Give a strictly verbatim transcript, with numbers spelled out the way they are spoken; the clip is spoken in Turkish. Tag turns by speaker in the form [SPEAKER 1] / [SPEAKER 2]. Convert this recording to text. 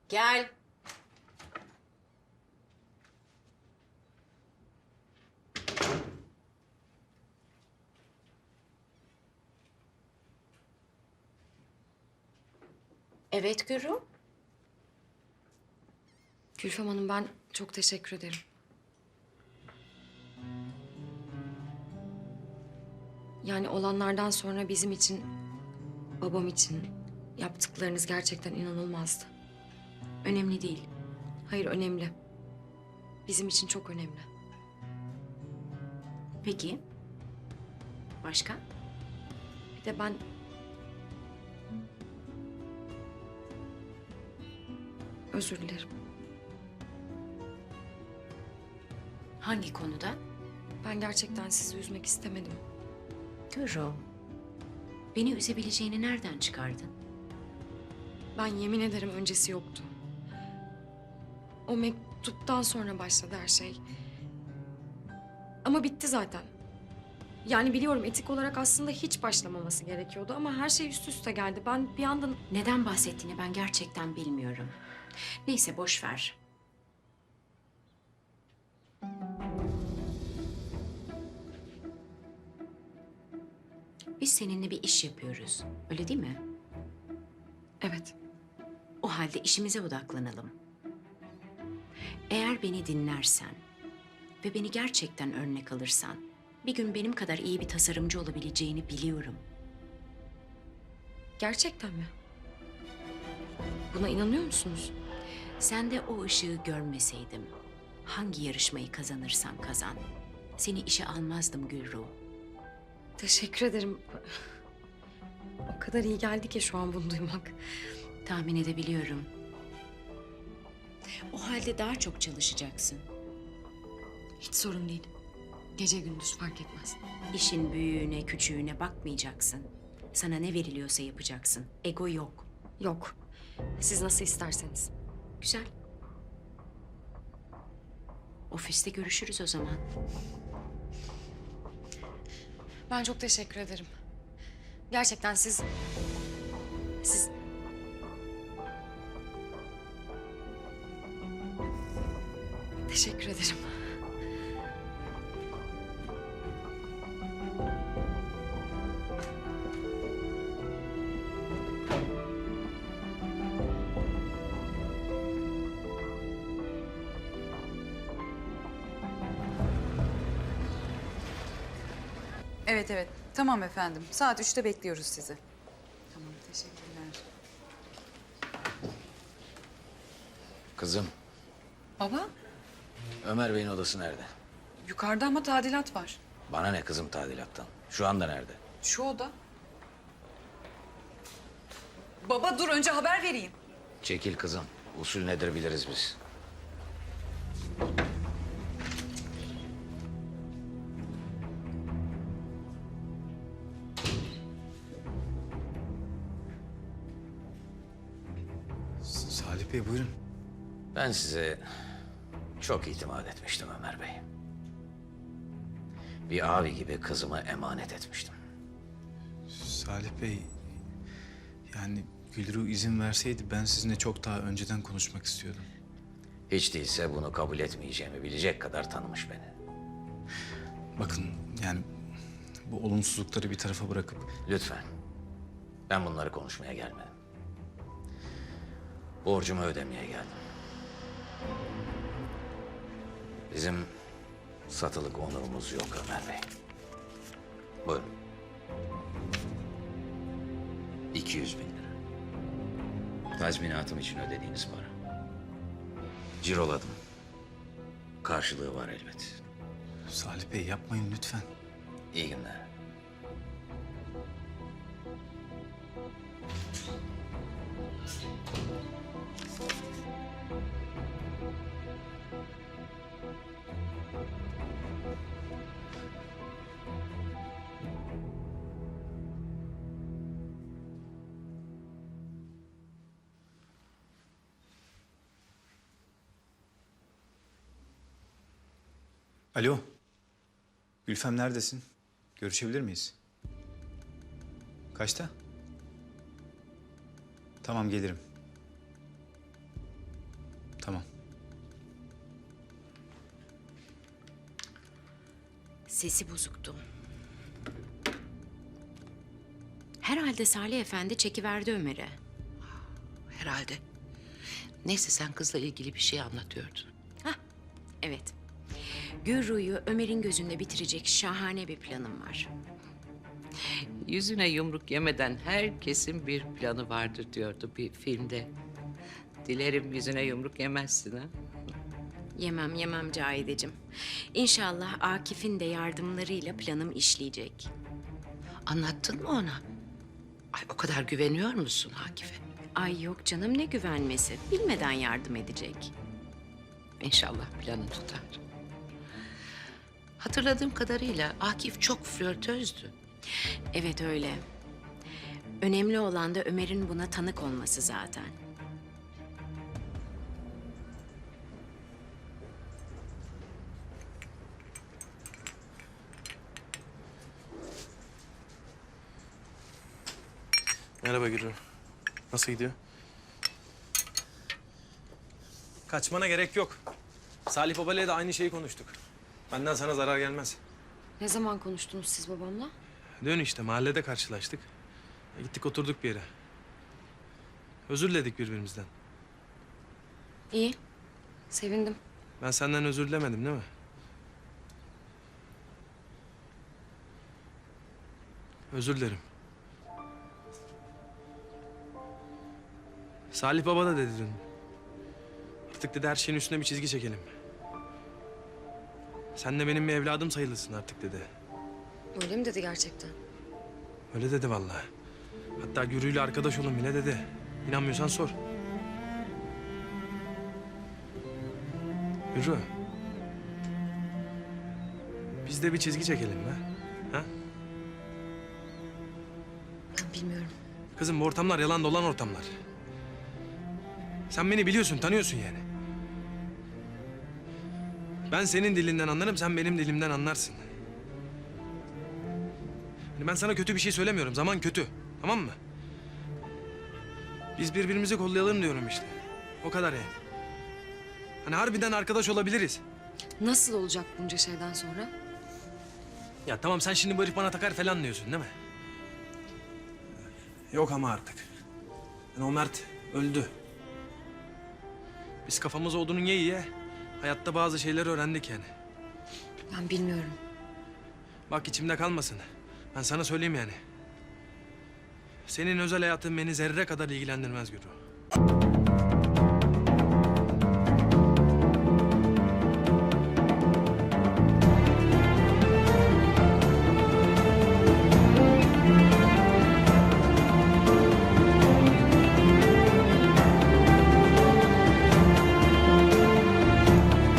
[SPEAKER 1] Gel. Evet Gürü.
[SPEAKER 2] Gülfem Hanım, ben çok teşekkür ederim. Yani olanlardan sonra bizim için, babam için yaptıklarınız gerçekten inanılmazdı.
[SPEAKER 1] Önemli değil.
[SPEAKER 2] Hayır, önemli. Bizim için çok önemli.
[SPEAKER 1] Peki. Başka?
[SPEAKER 2] Bir de ben... Özür dilerim.
[SPEAKER 1] Hangi konuda?
[SPEAKER 2] Ben gerçekten sizi üzmek istemedim.
[SPEAKER 1] Gürü. Beni üzebileceğini nereden çıkardın?
[SPEAKER 2] Ben yemin ederim öncesi yoktu. O mektuptan sonra başladı her şey. Ama bitti zaten. Yani biliyorum etik olarak aslında hiç başlamaması gerekiyordu ama her şey üst üste geldi. Ben bir anda...
[SPEAKER 1] Neden bahsettiğini ben gerçekten bilmiyorum. Neyse boş ver. Biz seninle bir iş yapıyoruz. Öyle değil mi?
[SPEAKER 2] Evet.
[SPEAKER 1] O halde işimize odaklanalım. Eğer beni dinlersen ve beni gerçekten örnek alırsan bir gün benim kadar iyi bir tasarımcı olabileceğini biliyorum.
[SPEAKER 2] Gerçekten mi? Buna inanıyor musunuz?
[SPEAKER 1] Sen de o ışığı görmeseydim hangi yarışmayı kazanırsan kazan seni işe almazdım Gülru.
[SPEAKER 2] Teşekkür ederim. O kadar iyi geldi ki şu an bunu duymak.
[SPEAKER 1] Tahmin edebiliyorum. O halde daha çok çalışacaksın.
[SPEAKER 2] Hiç sorun değil. Gece gündüz fark etmez.
[SPEAKER 1] İşin büyüğüne, küçüğüne bakmayacaksın. Sana ne veriliyorsa yapacaksın. Ego yok.
[SPEAKER 2] Yok. Siz nasıl isterseniz.
[SPEAKER 1] Güzel. Ofiste görüşürüz o zaman.
[SPEAKER 2] Ben çok teşekkür ederim. Gerçekten siz... Siz... Teşekkür ederim.
[SPEAKER 3] Evet evet. Tamam efendim. Saat üçte bekliyoruz sizi. Tamam teşekkürler.
[SPEAKER 4] Kızım,
[SPEAKER 3] Baba
[SPEAKER 4] Ömer Bey'in odası nerede?
[SPEAKER 3] yukarıda ama tadilat var.
[SPEAKER 4] Bana ne kızım tadilattan? Şu anda nerede?
[SPEAKER 3] Şu oda. Baba dur önce haber vereyim.
[SPEAKER 4] Çekil kızım. Usul nedir biliriz biz.
[SPEAKER 5] Salih Bey buyurun.
[SPEAKER 4] Ben size çok itimat etmiştim Ömer Bey. Bir abi gibi kızımı emanet etmiştim.
[SPEAKER 5] Salih Bey, yani Gülru izin verseydi ben sizinle çok daha önceden konuşmak istiyordum.
[SPEAKER 4] Hiç değilse bunu kabul etmeyeceğimi bilecek kadar tanımış beni.
[SPEAKER 5] Bakın yani bu olumsuzlukları bir tarafa bırakıp
[SPEAKER 4] Lütfen. Ben bunları konuşmaya gelmedim. Borcumu ödemeye geldim. Bizim satılık onurumuz yok Ömer Bey. Buyurun. iki yüz bin lira. Tazminatım için ödediğiniz para. Ciroladım. Karşılığı var elbet.
[SPEAKER 5] Salih Bey yapmayın lütfen.
[SPEAKER 4] İyi günler.
[SPEAKER 5] Alo. Gülfem neredesin? Görüşebilir miyiz? Kaçta? Tamam gelirim. Tamam.
[SPEAKER 1] Sesi bozuktu. Herhalde Salih Efendi çekiverdi Ömer'e.
[SPEAKER 6] Herhalde. Neyse sen kızla ilgili bir şey anlatıyordun.
[SPEAKER 1] Hah, evet. Gürru'yu Ömer'in gözünde bitirecek şahane bir planım var.
[SPEAKER 6] Yüzüne yumruk yemeden herkesin bir planı vardır diyordu bir filmde. Dilerim yüzüne yumruk yemezsin ha.
[SPEAKER 1] Yemem yemem Cahideciğim. İnşallah Akif'in de yardımlarıyla planım işleyecek.
[SPEAKER 6] Anlattın mı ona? Ay o kadar güveniyor musun Akif'e?
[SPEAKER 1] Ay yok canım, ne güvenmesi. Bilmeden yardım edecek.
[SPEAKER 6] İnşallah planı tutar. Hatırladığım kadarıyla Akif çok flörtözdü.
[SPEAKER 1] Evet öyle. Önemli olan da Ömer'in buna tanık olması zaten.
[SPEAKER 7] Merhaba Gürü. Nasıl gidiyor? Kaçmana gerek yok. Salih Baba'yla da aynı şeyi konuştuk. Benden sana zarar gelmez.
[SPEAKER 2] Ne zaman konuştunuz siz babamla?
[SPEAKER 7] Dön işte, mahallede karşılaştık. Gittik oturduk bir yere. Özür diledik birbirimizden.
[SPEAKER 2] İyi. Sevindim.
[SPEAKER 7] Ben senden özür dilemedim değil mi? Özür dilerim. Salih Baba da dedi dün. Artık dedi her şeyin üstüne bir çizgi çekelim. Sen de benim bir evladım sayılırsın artık dedi.
[SPEAKER 2] Öyle mi dedi gerçekten?
[SPEAKER 7] Öyle dedi vallahi. Hatta Gürü'yle arkadaş olun bile dedi. İnanmıyorsan sor. Gürü. Biz de bir çizgi çekelim be. Ha?
[SPEAKER 2] Ben bilmiyorum.
[SPEAKER 7] Kızım bu ortamlar yalan dolan ortamlar. Sen beni biliyorsun, tanıyorsun yani. Ben senin dilinden anlarım, sen benim dilimden anlarsın. Yani ben sana kötü bir şey söylemiyorum, zaman kötü. Tamam mı? Biz birbirimizi kollayalım diyorum işte. O kadar yani. Hani harbiden arkadaş olabiliriz.
[SPEAKER 2] Nasıl olacak bunca şeyden sonra?
[SPEAKER 7] Ya tamam sen şimdi bu herif bana takar falan diyorsun değil mi? Yok ama artık. Yani o Mert öldü. Biz kafamız odunun ye ye hayatta bazı şeyler öğrendik yani.
[SPEAKER 2] Ben bilmiyorum.
[SPEAKER 7] Bak içimde kalmasın. Ben sana söyleyeyim yani. Senin özel hayatın beni zerre kadar ilgilendirmez Gürü.